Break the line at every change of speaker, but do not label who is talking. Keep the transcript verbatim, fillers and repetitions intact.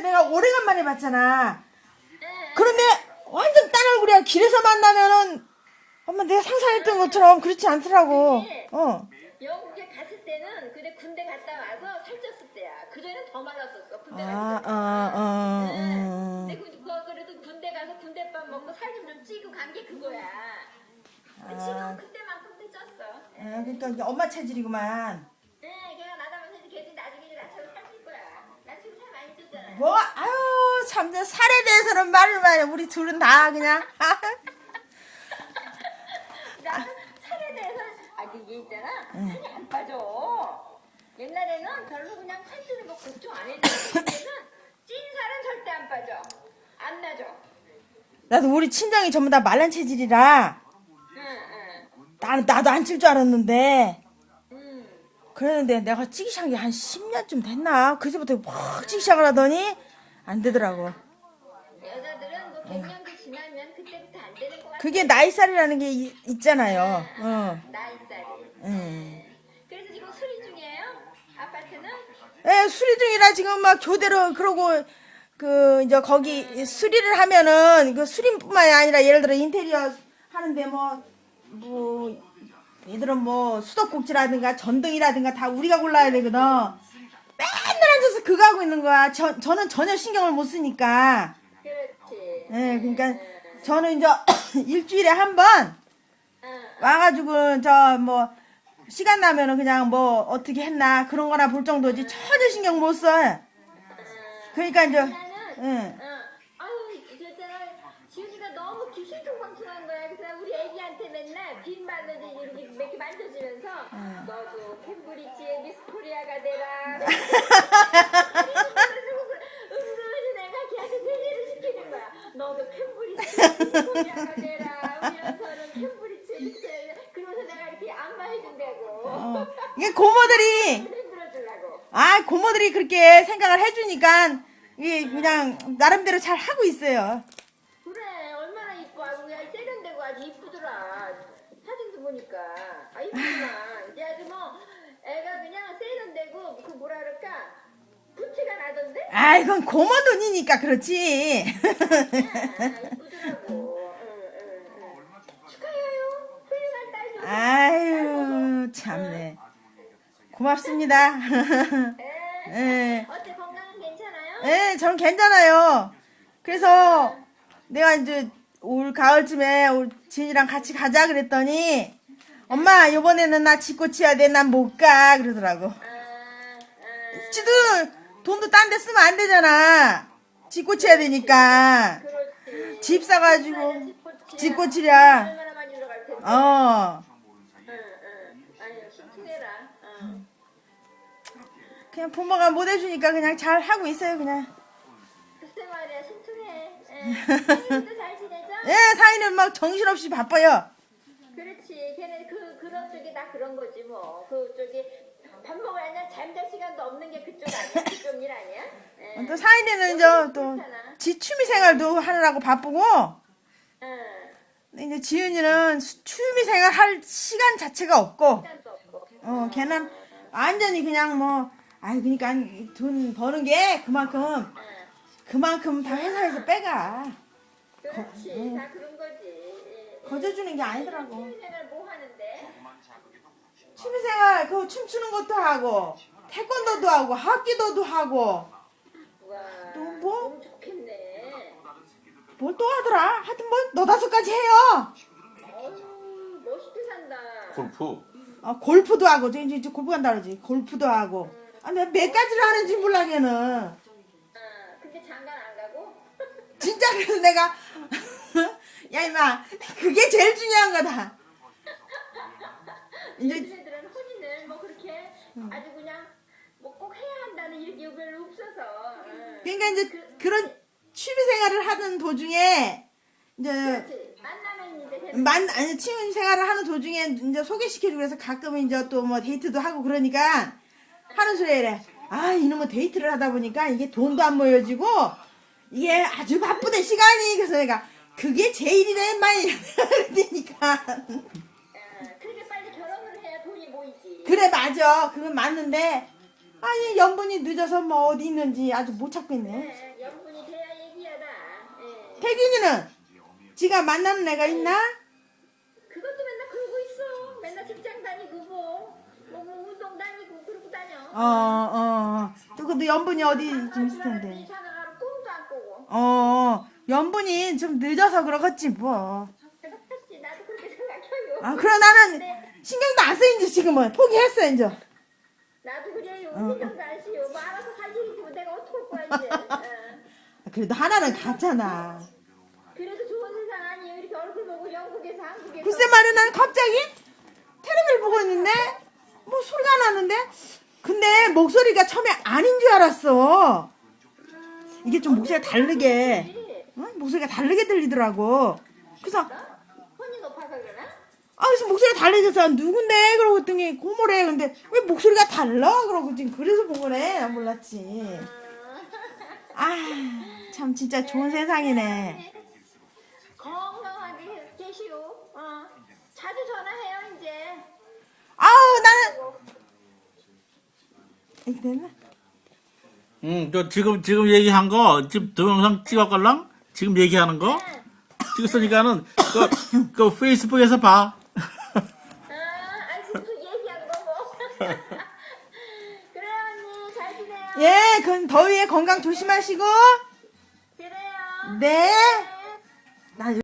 내가 오래간만에 봤잖아. 그런데 완전 딴 얼굴이야. 길에서 만나면은 엄마 내가 상상했던 것처럼 그렇지 않더라고. 어.
영국에 갔을 때는 근데 군대 갔다 와서 살쪘을 때야. 그전에는 더 말랐었어. 군대
아,
갔을 때.
아, 아,
응.
어.
근데 그, 그, 그래도 군대 가서 군대밥 먹고 살 좀 좀 찌고 간 게 그거야. 근데 지금 그때만큼도 쪘어.
아, 그러니까 이제 엄마 체질이구만.
네, 걔가 나다면서 걔도 나중에 이제 나처럼 살찔 거야. 나 지금 살 많이 쪘잖아.
뭐, 아유, 참, 내 살에 대해서는 말을 마요. 우리 둘은 다 그냥.
나는 살에 대해서 아 이게 있잖아. 살이 안 빠져. 옛날에는 별로 그냥 살찌는 거 걱정 안 했는데 이제는 찐 살은 절대 안 빠져. 안 나죠.
나도 우리 친정이 전부 다 말란 체질이라
응, 응.
나, 나도 안 찔 줄 알았는데
응.
그랬는데 내가 찌기 시작한 게 한 십 년쯤 됐나? 그제부터 확 찌기 시작을 하더니 안 되더라고.
여자들은 뭐 백 년도 지나면 그때부터 안 되는 거 같아.
그게 나이살이라는 게 이- 있잖아요. 어.
나이살이.
음.
그래서 지금 수리 중이에요? 아파트는?
예, 수리 중이라 지금 막 교대로 그러고 그 이제 거기 수리를 하면은 그 수리뿐만이 아니라 예를 들어 인테리어 하는데 뭐 뭐 얘들은 뭐 수도꼭지라든가 전등이라든가 다 우리가 골라야 되거든. 맨날 앉아서 그거 하고 있는 거야. 저, 저는 전혀 신경을 못 쓰니까.
그렇지.
예, 그러니까 저는 이제 일주일에 한 번 와가지고 저 뭐 시간 나면은 그냥 뭐 어떻게 했나 그런 거나 볼 정도지 전혀 신경 못 써. 그러니까 이제
나는
응.
응. 아유, 저잖아. 지훈이가 너무 기신통방통한 거야. 그래서 우리 애기한테 맨날 빈말로 이렇게 몇 개 만져주면서 너도 캠브리지의 미스 코리아가 되라. 은근히 내가 걔한테 세뇌를 시키는 거야. 너도 캠브리지의 미스 코리아가 되라. 우리 연서는 캠브리지의 미스 코리아가 되라. 그러면서 내가 이렇게 안마해준다고.
어. 이게 고모들이
흔들어주려고.
아 고모들이 그렇게 생각을 해주니까 이게 그냥 나름대로 잘 하고 있어요.
그래 얼마나 이뻐. 아주 그냥 세련되고 아주 이쁘더라. 사진도 보니까 아 이쁘구나. 이제 아주 뭐 애가 그냥 세련되고 그 뭐라 그럴까 부티가 나던데.
아 이건 고모 돈이니까 그렇지.
아, 이쁘더라고. 응, 응, 응. 축하해요. 훌륭한 딸 좀.
아유 참네. 고맙습니다.
에.
예,
어때 건강은 괜찮아요?
예, 저는 괜찮아요. 그래서 내가 이제 올 가을쯤에 올 진이랑 같이 가자 그랬더니 엄마 이번에는 나 집 고쳐야 돼. 난 못 가 그러더라고.
아, 아.
지도 돈도 딴 데 쓰면 안 되잖아. 집 고쳐야 되니까.
그렇지.
집 사가지고
집
집 고치랴.
얼마나 많이 들어갈 텐데.
어.
응, 응. 아유 신중해라. 응.
그냥 부모가 못 해주니까 그냥 잘 하고 있어요 그냥.
글쎄 말이야 신중해. 사이도 잘 지내죠?
예, 사이는 막 정신없이 바빠요.
그렇지. 걔네 그 그런 쪽이 다 그런 거지 뭐. 그쪽이 밥 먹으려면 잠잘 시간도 없는 게 그쪽 아니야? 그쪽 일 아니야? 예.
또 사이는 이제 또 지 취미 생활도 하느라고 바쁘고.
응.
근데 이제 지은이는 수- 취미 생활 할 시간 자체가 없고.
시간도 없고.
어, 걔는 완전히 그냥 뭐, 아이, 그니까 돈 버는 게 그만큼,
응.
그만큼 다 회사에서 빼가.
그렇지. 다 그런 거지. 예, 예.
거저주는 게 아니더라고.
취미생활 뭐 하는데?
취미생활, 그 춤추는 것도 하고, 태권도도 하고, 합기도도 하고,
와.
또 뭐?
너무 좋겠네.
뭘 또 하더라? 하여튼 뭐, 너다섯 가지 해요.
어휴 멋있게 산다.
골프.
어, 골프도 하고, 이제, 이제 골프 간다 그러지. 골프도 하고. 아, 몇, 몇 가지를 하는지 몰라, 걔는.
아, 근데 장가 안 가고?
진짜 그래서 내가, 야, 임마, 그게 제일 중요한 거다. 이제,
요즘 애들은 혼인을 뭐 그렇게 아주 그냥 뭐 꼭 해야 한다는 이게 별로 없어서. 응.
그러니까 이제 그런 취미생활을 하는 도중에, 이제,
그렇지. 만나면 이제 되는
만, 아니, 취미생활을 하는 도중에 이제 소개시켜주고 그래서 가끔 이제 또 뭐 데이트도 하고 그러니까 하는 소리가 이래. 아, 이놈의 데이트를 하다 보니까 이게 돈도 안 모여지고, 이게 아주 바쁘대, 시간이. 그래서 내가, 그게 제일이네, 많이. 그러니까.
아, 그렇게 빨리 결혼을 해야 돈이 모이지.
그래, 맞아. 그건 맞는데, 아니 연분이 늦어서 뭐 어디 있는지 아주 못 찾겠네.
네, 연분이 돼야 얘기하다. 예.
태균이는 지가 만나는 애가 있나?
그것도 맨날 그러고 있어. 맨날 직장 다니고 뭐, 뭐, 뭐 운동 다니고 그러고 다녀.
어어 또 근데 연분이 어디 좀 있을 텐데.
전화가로 꿈도 안 꾸고.
어 연분이 좀 늦어서 그러겠지 뭐.
그렇지, 나도 그렇게 생각해요.
아 그래 나는 신경도 안 써 이제 지금은 포기했어 이제.
나도 그래요.
어, 어.
신경도 안 쓰요. 뭐 알아서 할 일이지 뭐 내가 어떡할 거야 이제. 어.
그래도 하나는 갔잖아.
그래도 좋은 세상 아니에요. 이렇게 얼굴 보고 영국에서 한국에서.
글쎄 말이야 나는 갑자기 텔레비를 보고 있는데 뭐 소리가 나는데 근데 목소리가 처음에 아닌 줄 알았어. 이게 좀 목소리가 다르게 어? 목소리가 다르게 들리더라고. 그래서
혼이 높아서 그러나?
아 그래서 목소리가 다르져서 누군데 그러고 했더니 고모래. 근데 왜 목소리가 달라 그러고 지금 그래서 본 거네. 난 몰랐지. 아 참 진짜 좋은 세상이네.
건강하게 계시오. 어. 자주 전화해요 이제.
아우 나는 이렇게 됐나?
응, 저 지금 지금 얘기한 거 지금 동영상 찍었걸랑? 지금 얘기하는 거 찍었으니까는 그, 그 페이스북에서 봐.
아, 아이고 무슨 얘기하는 거 뭐. 그래 언니 잘 지내요.
예, 그 더위에 건강 조심하시고.
그래요.
네. 나